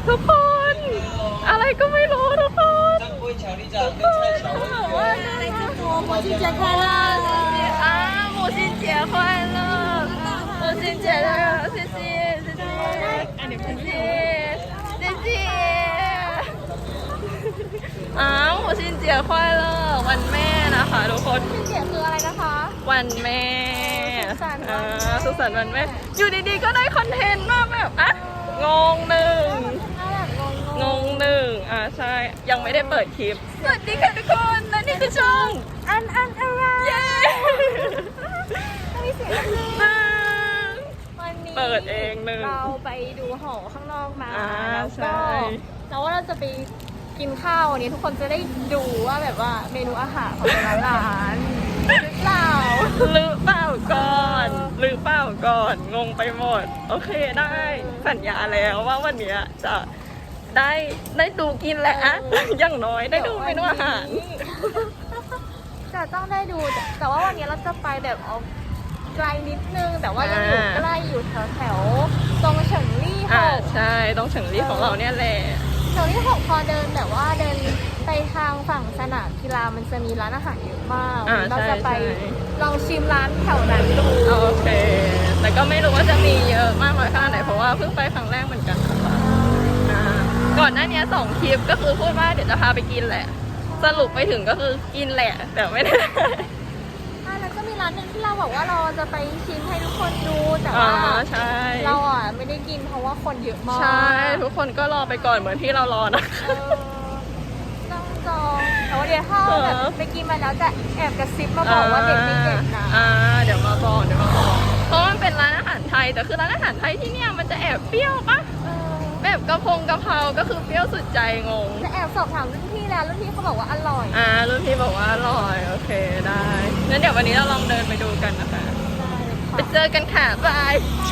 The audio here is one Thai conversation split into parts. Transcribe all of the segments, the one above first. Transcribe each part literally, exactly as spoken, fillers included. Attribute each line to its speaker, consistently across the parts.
Speaker 1: ทุกคนอะไรก็ไม่รู้ทุกคน
Speaker 2: 母亲节快乐！
Speaker 1: 啊母亲节快乐母亲节快乐谢谢谢谢谢谢谢谢อ่า母亲节快乐วันแม่นะคะทุกคน
Speaker 2: 母亲节คืออะไรนะคะ
Speaker 1: วันแม่อ่าสุขสันต์วันแม่อยู่ดีๆก็ได้คอนเทนต์มาแบบอ่ะงงหนึ่งงงหนึ่งอ่าใช่ยังไม่ได้เปิดคลิปสวัสดีค่ะทุกคนและนี่คือช่อง
Speaker 2: อันอันอะไร
Speaker 1: เย้
Speaker 2: ต้องมีเสียง
Speaker 1: หนึ่ง
Speaker 2: วันนี้
Speaker 1: เปิดเองหนึ่ง
Speaker 2: เราไปดูหอข้างนอกมา
Speaker 1: อ่า
Speaker 2: แล้ว
Speaker 1: ใช่
Speaker 2: ก็เราว่าเราจะไปกินข้าววันนี้ทุกคนจะได้ดูว่าแบบว่าเมนูอาหารของแต่ละร้านหรือเปล่า
Speaker 1: หรือเปล่าก่อนหรือเปล่าก่อนงงไปหมดโอเคได้สัญญาแล้วว่าวันเนี้ยจะได้ได้ดูกินแหละอะอย่างน้อยได้ดูเมนูอาหาร
Speaker 2: จะต้องได้ดูแต่แต่ว่าวันนี้เราจะไปแบบออกไกลนิดนึงแต่ว่ายังอยู่ใกล้อยู่แถวแถวๆตรงเฉิงลี่ห
Speaker 1: อ่าก ใช่ตรงเฉิงลี่ของเราเนี่ยแหละ
Speaker 2: เฉิงลี่หกพอเดินแบบว่าเดินไปทางฝั่งสนามกีฬามันจะมีร้านอาหารเยอะมาก
Speaker 1: อ่า
Speaker 2: เรา
Speaker 1: ใช่
Speaker 2: จะไป
Speaker 1: ใช่
Speaker 2: ลองชิมร้านแถวนั้นดู
Speaker 1: โอเค แต่ก็ไม่รู้ว่าจะมีเยอะมากน้อยขนาดไหนเพราะว่าเพิ่งไปครั้งแรกเหมือนกันนะคะอ่าก่อนหน้านี้สองคลิปก็คือพูดว่าเดี๋ยวจะพาไปกินแหละ สรุปไปถึงก็คือกินแหละ แต่ไม่ได้
Speaker 2: อ่าแล้วก็มีร้านหนึ่งที่เราบอกว่าเราจะไปชิมให้ทุกคนดูแต่
Speaker 1: อ๋อ
Speaker 2: ว่า
Speaker 1: ใช่
Speaker 2: เราอ่ะไม่ได้กินเพราะว่าคนเยอะมาก
Speaker 1: ใช่ทุกคนก็รอไปก่อนเหมือนที่เรารอนะ
Speaker 2: เออต้องจองแต่ว่าเดี๋ยวถ้าแบบไปกินมาแล้วจะแอบกระซิบมาบอกว่าเด็กไม่เด็ดนะ
Speaker 1: อ่าเดี๋ยวมาบอกเดี๋ยวมาบอกเพราะมันเป็นร้านอาหารไทยแต่คือร้านอาหารไทยที่เนี่ยมันจะแอบเปรี้ยวปะ
Speaker 2: เออ
Speaker 1: แบบกระพงกระเพราก็คือเปรี้ยวสุดใจงง
Speaker 2: จะแอบสอบถามรุ่นพี่แล้วรุ่นพี่เขาบอกว่าอร่อย
Speaker 1: อ่ารุ่นพี่บอกว่าอร่อยโอเคได้งั้นเดี๋ยววันนี้เราลองเดินไปดูกันนะคะ
Speaker 2: ได้เลย
Speaker 1: ไป
Speaker 2: ค่ะ
Speaker 1: เจอกันค่ะบาย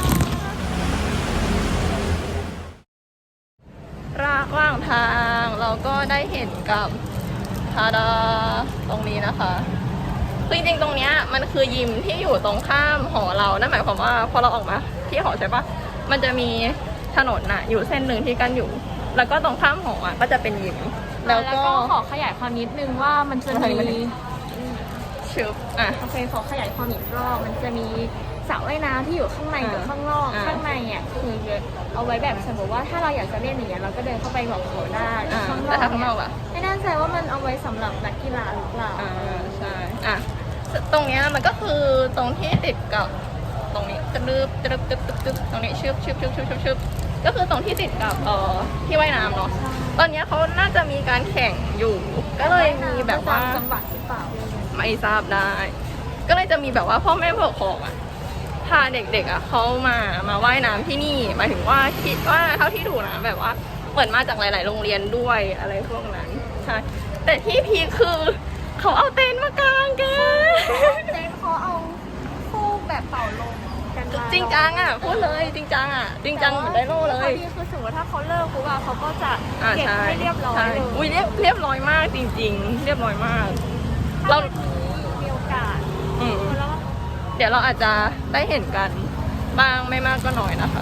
Speaker 1: ระหว่างทางเราก็ได้เห็นกับทาดาตรงนี้นะคะคือจริงๆตรงเนี้ยมันคือยิมที่อยู่ตรงข้ามหอเรานั่นหมายความว่าพอเราออกมาที่หอใช่ปะมันจะมีถนนน่ะอยู่เส้นหนึ่งที่กันอยู่ แล้วก็ตรงข้ามหออ่ะก็จะเป็นยิมแล้วก็
Speaker 2: ขอขยายความนิดนึงว่ามันจะ
Speaker 1: มาทางนี้
Speaker 2: มี
Speaker 1: มาทางนี้ ชึบอ่ะ
Speaker 2: โอเคขอขยายความอีกรอบมันจะมีสระว่ายน้ำที่อยู่ข้างในกับข้างนอก
Speaker 1: อ่า
Speaker 2: ข้างในอ่ะคือเอาไว้แบบสมมติว่าถ้าเราอยากจะเล่นอย่างเงี้ยเราก็เดินเข้าไปบอกเขาได้
Speaker 1: อ่า
Speaker 2: ข้างน
Speaker 1: แต่
Speaker 2: อก
Speaker 1: ถ้าข้างน
Speaker 2: เนี่
Speaker 1: อย กอ่ะ
Speaker 2: ไม่แน่ใจว่ามันเอาไว้สำหรับนักกีฬาหรือเปล่า
Speaker 1: อ่าใช่อ่ะตรงเนี้ยมันก็คือตรงที่ติดกับตรงนี้กระดึบกระดึบกระดึบกระดึบตรงนี้ชึบชึบชึบชึบชึบชึบก็คือตรงที่ติดกับเอ่อที่ว่ายน้ำเนาะตอนเนี้ยเขาน่าจะมีการแข่งอยู่ ก็เลยมีแบบว่า
Speaker 2: จังหวัดหรือเปล่า
Speaker 1: ไม่ทราบได้ ก็เลยจะมีแบบว่าพ่อแม่ผู้ปกครองอ่ะพาเด็กๆอ่ะเขามามาว่ายน้ำที่นี่หมายถึงว่าคิดว่าเท่าที่ดูนะแบบว่าเหมือนมาจากหลาย ๆ โรงเรียนด้วยอะไรพวกนั้นใช่แต่ที่พีคคือเขาเอาเต็นท์มากางแก
Speaker 2: เจนเขาเอาฟูกแบบเป่าลมกันมา
Speaker 1: จริงจังอ่ะพูดเลยจริงจังอ่ะจริงจังเหมือนไดโน่เลย
Speaker 2: ข้อดีคือสมมติถ้าเขาเลิกปุ๊บอะเขาก็จะ
Speaker 1: อ่า
Speaker 2: เก็บ
Speaker 1: ใช่
Speaker 2: ให้เรียบร้อย
Speaker 1: ใช่
Speaker 2: เลย
Speaker 1: อุ้ยเรียบเรียบร้อยมากจริง ๆ เรียบร้อยมาก เรา
Speaker 2: ถ้าวันนี้มีโอกาส
Speaker 1: อืม
Speaker 2: แล้ว
Speaker 1: เดี๋ยวเราอาจจะได้เห็นกันบ้างไม่มากก็น้อยนะคะ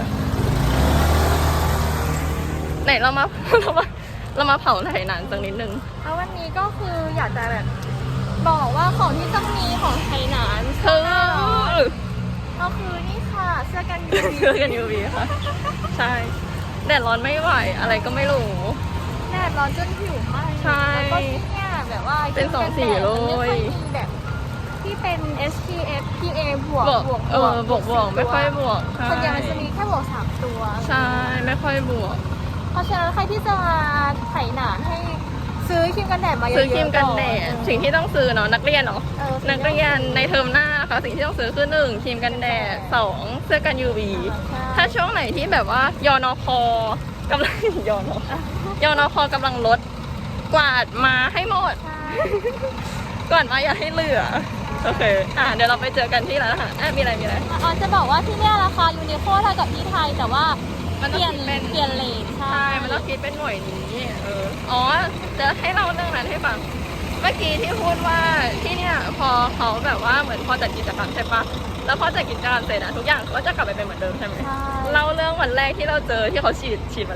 Speaker 1: ไหนเรามา เรามาเรามาเผาไหหนานสักนิดนึง
Speaker 2: แล้ววันนี้ก็คืออยากจะแบบบอกว่าของที่ต้องมีของไทยหนาน
Speaker 1: คือ
Speaker 2: ก็คือนี่ค่ะเสื้อกันยูวี
Speaker 1: เสื้อกันยูวีค่ะ ใช่แดดร้อนไม่ไหวอะไรก็ไม่รู้
Speaker 2: แดดร้อนจนผิวไหม้
Speaker 1: ใช่
Speaker 2: แล้วก็เนี่ยแบบว่า
Speaker 1: เป็นสองสีเลย
Speaker 2: มันไม่ค่อยมีแบบที่เป็น เอส พี เอฟ พี เอ บวก
Speaker 1: บวก
Speaker 2: บวก
Speaker 1: เออบวกบวกไม่ค่อยบวกใช่
Speaker 2: ส่วนใหญ่มันจะมีแค่บวกสามตัว
Speaker 1: ใช่ไม่ค่อยบวก
Speaker 2: เพราะฉะนั้นใครที่จะมาไถหนานให้ซื้อครีมกันแดดมาเยอะๆ
Speaker 1: ซื้อครีมกันแดด
Speaker 2: อ
Speaker 1: สิ่งที่ต้องซื้อเนาะนักเรียนเนาะ
Speaker 2: เออ
Speaker 1: นักเรียนในเทอมหน้าค่ะสิ่งที่ต้องซื้อคือหนึ่งครีมกันแดดสองเสื้อกัน ยู วี
Speaker 2: ใช่
Speaker 1: ถ้าช่วงไหนที่แบบว่ายอนอคอกำลัง ยอนอยอนอคอกำลังลดกวาดมาให้หมด
Speaker 2: ใช่
Speaker 1: กวาดมาอย่าให้เหลือโอเคอ่ะเดี๋ยวเราไปเจอกันที่ร้านอาหารอ่ะมีอะไรมีอะไร
Speaker 2: อ๋อจะบอกว่าที่เนี่ยราคายูนิโคเท่ากับที่ไทยแต่ว่า
Speaker 1: มัน
Speaker 2: เป
Speaker 1: ต้อง
Speaker 2: ลี่ยน
Speaker 1: คิดเป็น
Speaker 2: เปลี่ยนเลนใช่
Speaker 1: ใช่มันต้องคิดเป็นหน่วยนี้เอออ๋อจะให้เล่าเรื่องนั้นให้ฟังเมื่อกี้ที่พูดว่าที่เนี่ยพอเขาแบบว่าเหมือนพอจัดกิจกรรมใช่ปะแล้วพอจัดกิจกรรมเสร็จอะทุกอย่างก็จะกลับไปเป็นเหมือนเดิมใช่ไหม
Speaker 2: ใช่
Speaker 1: เล่าเรื่องวันแรกที่เราเจอที่เขาฉีดฉีดแมลง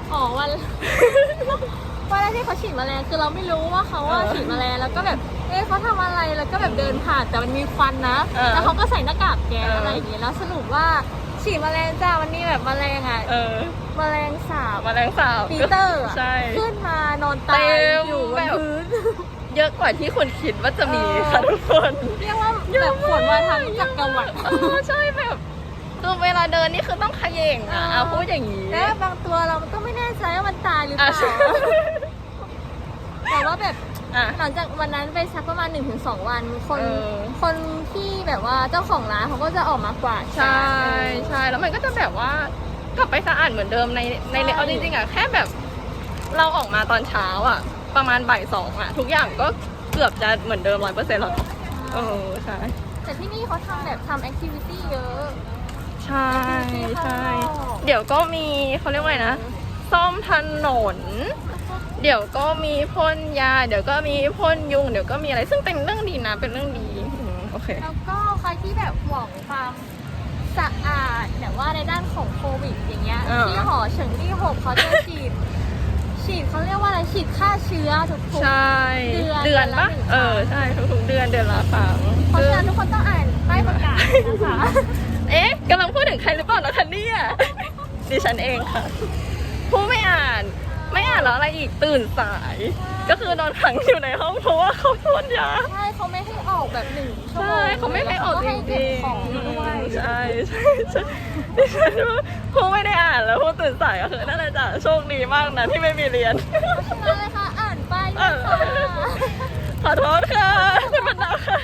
Speaker 2: อ๋อวันวันแรกที่เขาฉีดแมลงคือเราไม่รู้ว่าเขาว่า
Speaker 1: เออ
Speaker 2: ฉีดแมลงแล้วก็แบบเอ๊ะเขาทำอะไรแล้วก็แบบเดินผ่านแต่มันมีควันนะ
Speaker 1: เออ
Speaker 2: แล้วเขาก็ใส่หน้ากากแก๊ส
Speaker 1: เอออ
Speaker 2: อะไรอย่างเงี้ยแล้วสรุปว่าฉีดแมลงจ้ามันมีแบบแมลงอ่ะ
Speaker 1: เออ
Speaker 2: แมลงสาบ
Speaker 1: แมลงสาบ
Speaker 2: ปีเตอร์อะ
Speaker 1: ใช่
Speaker 2: ขึ้นมานอนตาย
Speaker 1: เต็ม
Speaker 2: อยู่บ
Speaker 1: แบ
Speaker 2: น
Speaker 1: บ
Speaker 2: พื้น
Speaker 1: เยอะกว่าที่คุณคิดว่าจะมี
Speaker 2: เออ
Speaker 1: ค่ะทุกคน
Speaker 2: เรียกว่าแบบฝนมาทางจักรวรรดิ
Speaker 1: เออใช่แบบคือเวลาเดินนี่คือต้องเขย่งอ่ะ
Speaker 2: เออ
Speaker 1: เอาพูดอย่างนี้
Speaker 2: แล้วบางตัวเราก็ไม่แน่ใจว่ามันตายหรือเป
Speaker 1: อ่ะ
Speaker 2: ล่า
Speaker 1: ใช่
Speaker 2: แต่ว่าแบบ
Speaker 1: อ่ะ
Speaker 2: หลังจากวันนั้นไปสักประมาณ หนึ่งถึงสอง วันคน
Speaker 1: เออ
Speaker 2: คนที่แบบว่าเจ้าของร้านเขาก็จะออกมากวาด
Speaker 1: ใช่
Speaker 2: เออ
Speaker 1: ใช่แล้วมันก็จะแบบว่ากลับไปสะอาดเหมือนเดิมในใน
Speaker 2: ใช่
Speaker 1: เอาจริงๆอ่ะแค่แบบเราออกมาตอนเช้าอ่ะ ประมาณบ่ายสองอ่ะ ทุกอย่างก็เกือบจะเหมือนเดิมร้อยเปอร์เซ็นต์แล้วเนอะเออใช่
Speaker 2: แต่ที่นี่เขาทำแบบทำแอคทิวิตี้เยอะ
Speaker 1: ใช่ใช่
Speaker 2: ข้างนอก
Speaker 1: เดี๋ยวก็มีเขาเรียกว่าไงนะ ซ่อมถนน เดี๋ยวก็มีพ่นยา เดี๋ยวก็มีพ่นยุง เดี๋ยวก็มีอะไร ซึ่งเป็นเรื่องดีนะ เป็นเรื่องดีอืมโอเค
Speaker 2: แล้วก็ใครที่แบบหวังความสะอาดแบบว่าในด้านของโควิดอย่างเงี้ย
Speaker 1: เออ
Speaker 2: ที่หอเฉิงลี่หกเขาจะฉีด ฉีดเขาเรียกว่าอะไรฉีดฆ่าเชื้อทุกๆ
Speaker 1: ใช่
Speaker 2: เดือน
Speaker 1: เดือนปะ
Speaker 2: ละหนึ่งครั้ง
Speaker 1: เออ ใช่ ทุกๆเดือนเดือนละครั้ง
Speaker 2: เพราะฉะนั้นทุกคนต้องอ่านป้ายประกาศนะคะ
Speaker 1: เอ๊ะกำลังพูดถึงใครหรือเปล่านะคะเนี่ย ดิฉันเองค่ะ ผู้ไม่อ่าน ไม่อ่านแล้วอะไรอีก ตื่นสาย ก็คือนอนขังอยู่ในห้องเพราะว่าเขาพ่นยา
Speaker 2: ใช่เขาไม่ให้ออกแบบหนึ่งชั่วโม
Speaker 1: ใช่
Speaker 2: ง
Speaker 1: เขาไม่ให้ออกจ
Speaker 2: แล้วเขาให้เก็
Speaker 1: ริ
Speaker 2: บ
Speaker 1: ง
Speaker 2: ของด้วย
Speaker 1: ๆใช่ใช่ใช่ดิฉันว่าผู้ไม่ได้อ่านแล้วผู้ตื่นสายก็คือนั่นแหละจ้ะโชคดีมากนะที่ไม่มีเรียน
Speaker 2: เพราะฉะนั้นเลยค่ะอ่านป้ายด้วยค่ะ
Speaker 1: ขอโทษค่ะคุณบรรดาค่ะ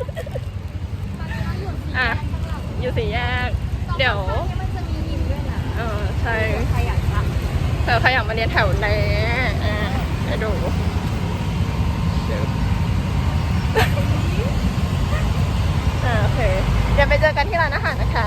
Speaker 1: อ่ะ อยู่สี่แยก เดี๋ยว
Speaker 2: นี่มันจะมียิมด้วยนะ
Speaker 1: เออใช่
Speaker 2: ใครอยากท
Speaker 1: เธอใครอยากมาเรียนแถวไหนอ่ะให้ดูเดี๋ยวอ่าโอเค เดี๋ยวไปเจอกันที่ร้านอาหารนะคะ